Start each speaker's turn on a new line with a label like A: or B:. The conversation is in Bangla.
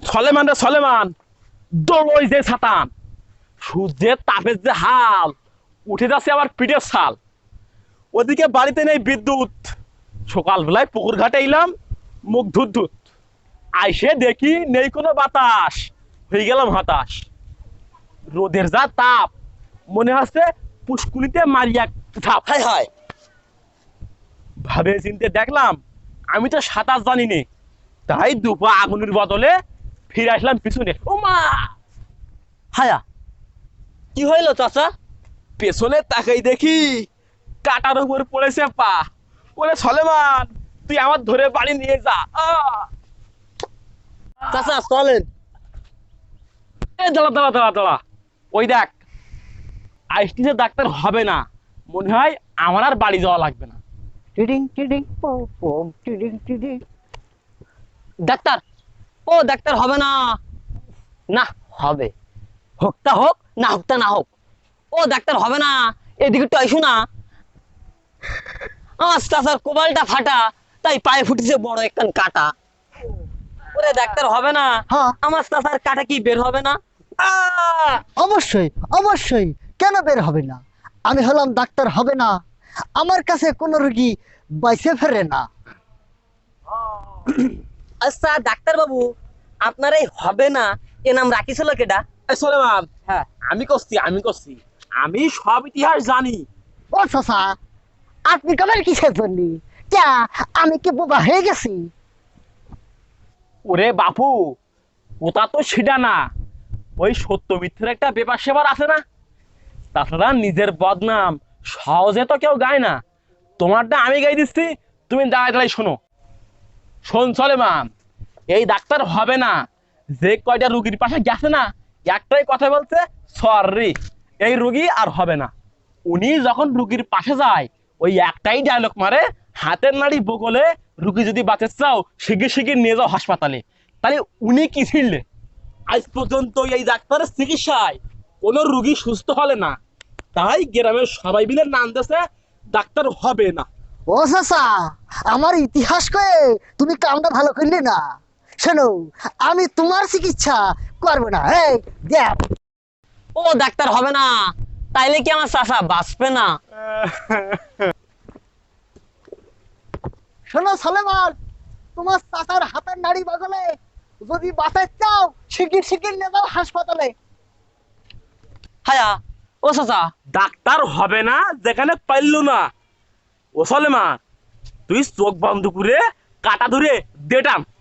A: সলেমান রে সলেমান, দোলই যে ছাতান, সূর্যের তাপের যে হাল, উঠে যাচ্ছে আবার পিঠের ছাল। ওদিকে বাড়িতে নেই বিদ্যুৎ, সকালবেলায় পুকুর ঘাটে এলাম মুখ ধুত ধুত, আইসে দেখি নেই কোনো বাতাস, হয়ে গেলাম হতাশ। রোদের যা তাপ, মনে হচ্ছে পুষ্কুনিতে মারিয়া ঝাপ।
B: হায় হায়,
A: ভাবে চিনতে দেখলাম আমি তো সাঁতার জানি নে, তাই দুপা আগুনের বদলে ফিরে আসলাম পিছনে। ও মা!
B: হায়া কি হইলো চাচা?
A: পেছনে তাকাই দেখি কাটার উপর পড়েছে পা। ওরে সলেমান, তুই আমার ধরে বাড়ি নিয়ে যা।
B: চাচা চলেন।
A: দাঁড়া দাঁড়া দাঁড়া দাঁড়া, ওই দেখ আইসটিতে ডাক্তার হবে না, মনে হয় আমার আর বাড়ি যাওয়া লাগবে না।
B: টিডিং টিডিং পম পম টিডিং টিডিং। ডাক্তার, ও ডাক্তার হবে না। না হবে, হোকটা হোক না হোকটা না হোক, ও ডাক্তার হবে না। এদিকে একটু আইসো না। আমার চাচার কোবালটা ফাটা, তাই পায়ে ফুটেছে বড় একখান কাটা। ওরে ডাক্তার হবে না, আমার চাচার কাটা কি বের হবে না?
C: অবশ্যই অবশ্যই, কেন বের হবে না? আমি হলাম ডাক্তার হবে না, আমার কাছে কোনো রোগী বাইসে ফেরে না।
B: আচ্ছা ডাক্তার বাবু, আপনার এই হবে না এ নাম রাখিছিল কেডা?
A: এই সলেমান,
B: হ্যাঁ,
A: আমি করছি, আমি সব ইতিহাস জানি।
C: ও চাচা, আপনি কেমন কিসের জন্য? ক্যা, আমি কি বোবা হয়ে গেছি?
A: ওরে বাপু, ওটা তো সেটা না, ওই সত্য মিথ্যের একটা ব্যাপার সেবার আছে না। তাছাড়া নিজের বদনাম সহজে তো কেউ গায় না, তোমারটা আমি গাই দিচ্ছি, তুমি দাঁড়ায় দাঁড়াই শোনো। শোন সলেমান, এই ডাক্তার হবে না যে কয়টা রুগীর পাশে গেছে না, একটাই কথা বলছে, সরি এই রুগী আর হবে না। উনি যখন রুগীর পাশে যায় ওই একটাই ডায়লগ মারে, হাতের নাড়ি বগলে, রুগী যদি বাঁচতে চাও শিগগির শিগগির নিয়ে যাও হাসপাতালে। তাহলে উনি কি ছিলেন? আজ পর্যন্ত এই ডাক্তারের চিকিৎসায় কোনো রুগী সুস্থ হলে না, তাই গ্রামের সবাই মিলে নাম দিয়েছে ডাক্তার হবে না।
C: ও চাচা, আমার ইতিহাস কয়ে তুমি কামটা ভালো করলে না। শোনো, আমি তোমার চিকিৎসা করবো না। এই দেখ,
B: ও ডাক্তার হবে না, তাইলে কি আমার চাচা বাঁচবে না?
C: শোনো সলেমান, তোমার চাচার হাতের নাড়ি বগলে, যদি বাঁচাতে চাও শিগগির শিগগির নিয়ে যাও হাসপাতালে।
B: হায়া, ও চাচা,
A: ডাক্তার হবে না যেখানে পাইলো না। ও সলেমান, তুই চোখ বন্ধ করে কাটা ধরে দেটাম।